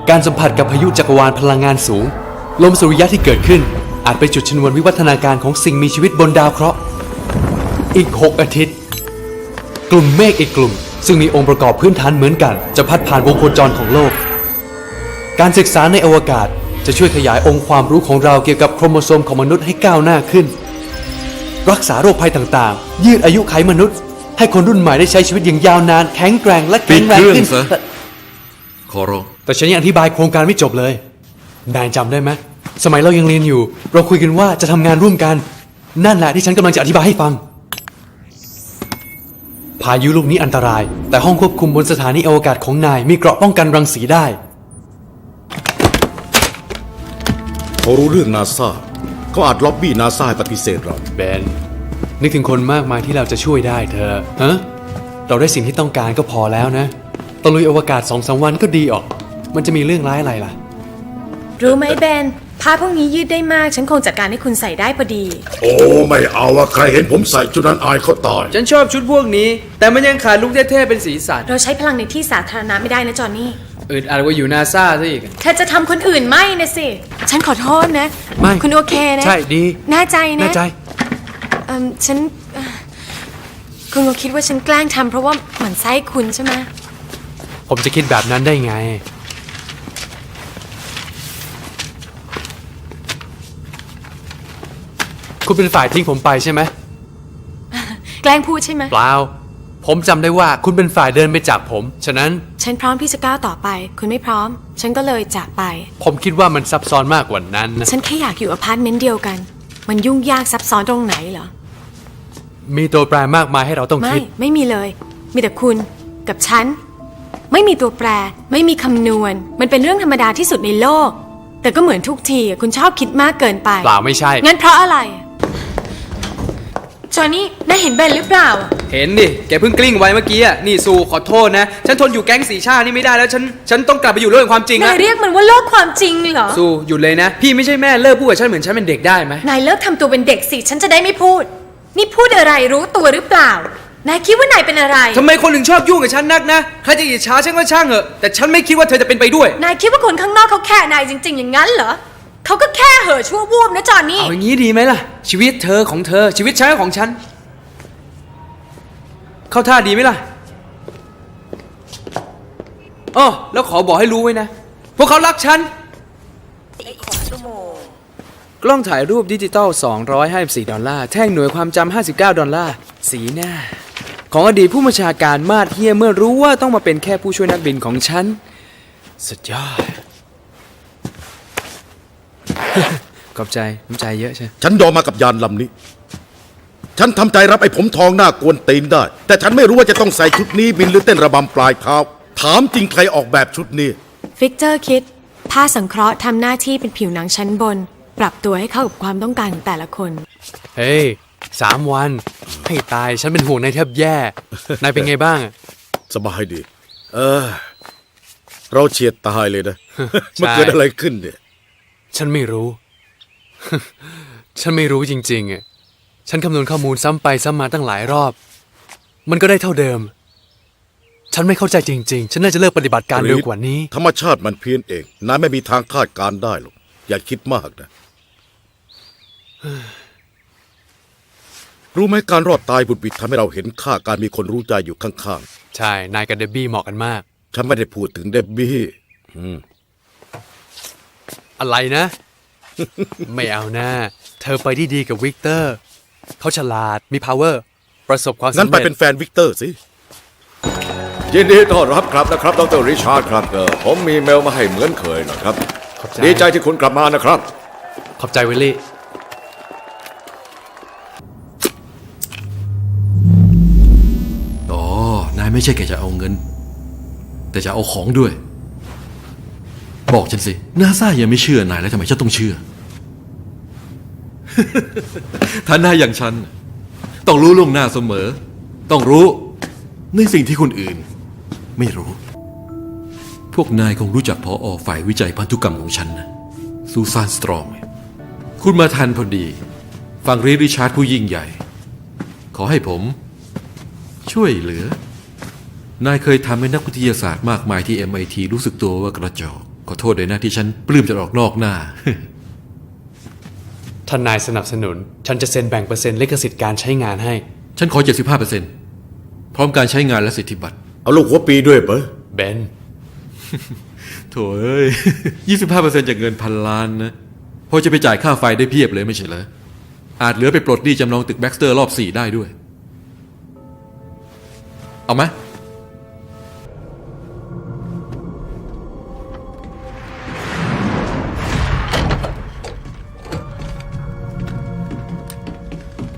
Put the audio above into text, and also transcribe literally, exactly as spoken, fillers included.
การสัมผัสกับพายุจักรวาลพลังงานสูงลมสุริยะที่เกิดขึ้นอาจเป็นจุดชนวนวิวัฒนาการของสิ่งมีชีวิตบนดาวเคราะห์อีกหกอาทิตย์กลุ่มเมฆอีกกลุ่มซึ่งมีองค์ประกอบพื้นฐานเหมือนกันจะพัดผ่านวงโคจรของโลกการศึกษาในอวกาศจะช่วยขยายองค์ความรู้ของเราเกี่ยวกับโครโมโซมของมนุษย์ให้ก้าวหน้าขึ้นรักษาโรคภัยต่างๆยืดอายุไขมนุษย์ให้คนรุ่นใหม่ได้ใช้ชีวิตอย่างยาวนานแข็งแกร่งและแข็งแรงขึ้นแต่ขอร้องแต่ฉันยังอธิบายโครงการไม่จบเลยนายจำได้ไหมสมัยเรายังเรียนอยู่เราคุยกันว่าจะทำงานร่วมกันนั่นแหละที่ฉันกำลังจะอธิบายให้ฟังพายุลูกนี้อันตรายแต่ห้องควบคุมบนสถานีอวกาศของนายมีเกราะป้องกันรังสีได้เขารู้เรื่องนาซาเขาอาจล็อบบี้นาซาให้ปฏิเสธเราเบนนึกถึงคนมากมายที่เราจะช่วยได้เธอฮะเราได้สิ่งที่ต้องการก็พอแล้วนะตะลุยอวกาศสองสามวันก็ดีออกมันจะมีเรื่องร้ายอะไรล่ะรู้ไหมเบนผ้าพวกนี้ยืดได้มากฉันคงจัดการให้คุณใส่ได้พอดีโอ้ไม่เอาอะใครเห็นผมใส่ชุดนั้นอายเขาตายฉันชอบชุดพวกนี้แต่มันยังขาดลุคเท่ๆเป็นสีสันเราใช้พลังในที่สาธารณะไม่ได้นะจอนนี่อึดอัดว่าอยู่นาซาซะอีกเธอจะทำคนอื่นไม่นะสิฉันขอโทษนะไม่คุณโอเคนะใช่ดีแน่ใจนะแน่ใจเอ่อฉันคุณก็คิดว่าฉันแกล้งทำเพราะว่าหมั่นไส้คุณใช่ไหมผมจะคิดแบบนั้นได้ไงคุณเป็นฝ่ายทิ้งผมไปใช่ไหมแกล้งพูดใช่ไหมเปล่าผมจำได้ว่าคุณเป็นฝ่ายเดินไปจากผมฉะนั้นฉันพร้อมที่จะก้าวต่อไปคุณไม่พร้อมฉันก็เลยจากไปผมคิดว่ามันซับซ้อนมากกว่านั้นนะฉันแค่อยากอยู่อพาร์ตเมนต์เดียวกันมันยุ่งยากซับซ้อนตรงไหนเหรอมีตัวแปรมากมายให้เราต้องคิดไม่ไม่มีเลยมีแต่คุณกับฉันไม่มีตัวแปรไม่มีคำนวณมันเป็นเรื่องธรรมดาที่สุดในโลกแต่ก็เหมือนทุกทีคุณชอบคิดมากเกินไปเปล่าไม่ใช่งั้นเพราะอะไรจอห์นนี่นายเห็นเบนหรือเปล่าเห็นดิแกเพิ่งกลิ้งไว้เมื่อกี้อ่ะนี่ซูขอโทษนะฉันทนอยู่แก๊งสีชาตินี่ไม่ได้แล้วฉันฉันต้องกลับไปอยู่โลกแห่งความจริงนะนายเรียกมันว่าโลกความจริงเหรอซูหยุดเลยนะพี่ไม่ใช่แม่เลิกพูดกับฉันเหมือนฉันเป็นเด็กได้ไหมนายเลิกทำตัวเป็นเด็กสิฉันจะได้ไม่พูดนี่พูดอะไรรู้ตัวหรือเปล่านายคิดว่านายเป็นอะไรทำไมคนถึงชอบยุ่งกับฉันนักนะใครจะอิจฉาฉันก็ช่างเหอะแต่ฉันไม่คิดว่าเธอจะเป็นไปด้วยนายคิดว่าคนข้างนอกเขาแค่นายจริงๆอย่างนั้นเหรอเขาก็แค่เห่อชั่ววูบนะจอนนี่เอาอย่างนี้ดีไหมล่ะชีวิตเธอของเธอชีวิตฉันของฉันเข้าท่าดีไหมล่ะอ้อแล้วขอบอกให้รู้ไว้นะพวกเขารักฉันกล้องถ่ายรูปดิจิตอลสองร้อยห้าสิบสี่ดอลลาร์แท่งหน่วยความจำห้าสิบเก้าดอลลาร์สีหน้าของอดีตผู้บัญชาการมาดเฮียเมื่อรู้ว่าต้องมาเป็นแค่ผู้ช่วยนักบินของฉันสุดยอด ขอบใจน้ำใจเยอะใช่ฉันยอมมากับยานลำนี้ฉันทำใจรับไอ้ผมทองหน้ากวนตีนได้แต่ฉันไม่รู้ว่าจะต้องใส่ชุดนี้บินหรือเต้นระบำปลายเท้าถามจริงใครออกแบบชุดนี้ฟิกเตอร์คิดผ้าสังเคราะห์ทำหน้าที่เป็นผิวหนังชั้นบนปรับตัวให้เข้ากับความต้องการของแต่ละคนเฮ้ยสามวันให้ตายฉันเป็นห่วงนายแทบแย่นายเป็นไงบ้างสบายดีเออเราเฉียดตายเลยนะมันเกิดอะไรขึ้นเนี่ยฉันไม่รู้ฉันไม่รู้จริงๆอ่ะฉันคำนวณข้อมูลซ้ำไปซ้ำมาตั้งหลายรอบมันก็ได้เท่าเดิมฉันไม่เข้าใจจริงๆฉันน่าจะเลิกปฏิบัติการเร็วกว่านี้ธรรมชาติมันเพี้ยนเองนายไม่มีทางคาดการได้หรอกอย่าคิดมากนะรู้ไหมการรอดตายบุดบิดทำให้เราเห็นค่าการมีคนรู้ใจอยู่ข้างๆใช่นายกับเดบบี้เหมาะกันมากฉันไม่ได้พูดถึงเดบบี้อะไรนะ ไม่เอานะเธอไปที่ดีกับวิกเตอร์เขาฉลาดมี power ประสบความสำเร็จงั้นไปเป็นแฟนวิกเตอร์สิยินดีต้อนรับครับนะครับดร.ริชาร์ดครับผมมีเมลมาให้เหมือนเคยนะครับดีใจที่คุณกลับมานะครับขอบใจวิลลี่อ๋อนายไม่ใช่แค่จะเอาเงินแต่จะเอาของด้วยบอกฉันสินาซายังไม่เชื่อนายแล้วทำไมฉันต้องเชื่อ ถ้านายอย่างฉันต้องรู้ล่วงหน้าเสมอต้องรู้ในสิ่งที่คนอื่นไม่รู้พวกนายคงรู้จักผอ.ฝ่ายวิจัยพันธุกรรมของฉันนะซูซานสตรองคุณมาทันพอดีฟังรีริชาร์ดผู้ยิ่งใหญ่ขอให้ผมช่วยเหลือนายเคยทำให้นักวิทยาศาสตร์มากมายที่ เอ็ม ไอ ที รู้สึกตัวว่ากระจอกขอโทษด้วยนะที่ฉันปลื้มจะออกนอกหน้าท่านนายสนับสนุน ฉันจะเซ็นแบ่งเปอร์เซ็นต์ลิขสิทธิ์การใช้งานให้ฉันขอ เจ็ดสิบห้าเปอร์เซ็นต์ พร้อมการใช้งานและสิทธิบัตรเอาลูกหัวปีด้วยเปะเบนโถ่เอ้ย ยี่สิบห้าเปอร์เซ็นต์ จากเงินพันล้านนะพอจะไปจ่ายค่าไฟได้เพียบเลยไม่ใช่เหรอ อาจเหลือไปปลดหนี้จำนองตึกแบ็กสเตอร์รอบสี่ได้ด้วย เอาไหม